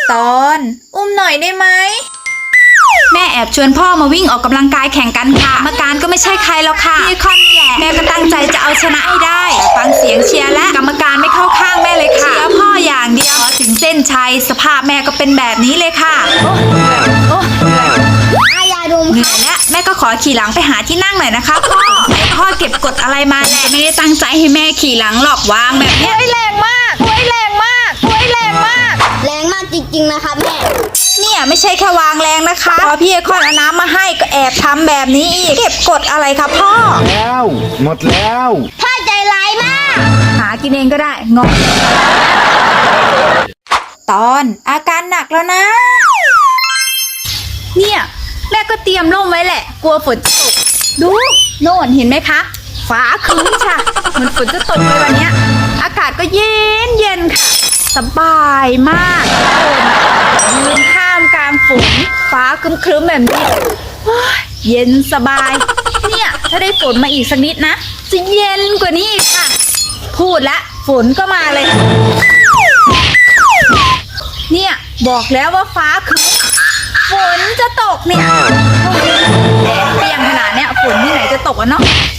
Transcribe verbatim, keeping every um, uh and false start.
ตอนอุ้มหน่อยได้ไหมแม่แอบชวนพ่อมาวิ่งออกกำลังกายแข่งกันค่ะกรรมการก็ไม่ใช่ใครแล้วค่ะพี่คอนนี่แหละแม่ก็ตั้งใจจะเอาชนะให้ได้ฟังเสียงเชียร์และกรรมการไม่เข้าข้างแม่เลยค่ะเชียร์พ่ออย่างเดียวถึงเส้นชัยสภาพแม่ก็เป็นแบบนี้เลยค่ะโอ้อายาดมเหนื่อยแล้วแม่ก็ขอขี่หลังไปหาที่นั่งหน่อยนะคะพ่อไหนพ่อเก็บกดอะไรมาแหละไม่ได้ตั้งใจให้แม่ขี่หลังหรอกวางแบบนี้แรงมากแรงมากแรงมากแรงมากจริงๆนะครับแม่เนี่ยไม่ใช่แค่วางแรงนะคะพอพี่ไอคอนเอาน้ำมาให้ก็แอบทำแบบนี้อีกเก็บกดอะไรคะพ่อแล้วหมดแล้วพ่อใจร้ายมากหากินเองก็ได้งงตอนอาการหนักแล้วนะเนี่ยแม่ก็เตรียมร่มไว้แหละกลัวฝนจะตกดูโน่นเห็นไหมคะฟ้าครึ้มค่ะเหมือนฝนจะตกเลยวันเนี้ยอากาศก็เย็นเย็นค่ะสบายมากยืนข้ามกลางฝนฟ้าครึ้มๆแบบนี้โอ้ยเย็นสบายเนี่ยถ้าได้ฝนมาอีกสักนิดนะจะเย็นกว่านี้อีกค่ะ พูดละฝนก็มาเลย เนี่ยบอกแล้วว่าฟ้าคือฝนจะตกเนี่ยแดดเปรี้ยงขนาดเนี้ยฝนที่ไหนจะตกอะเนาะ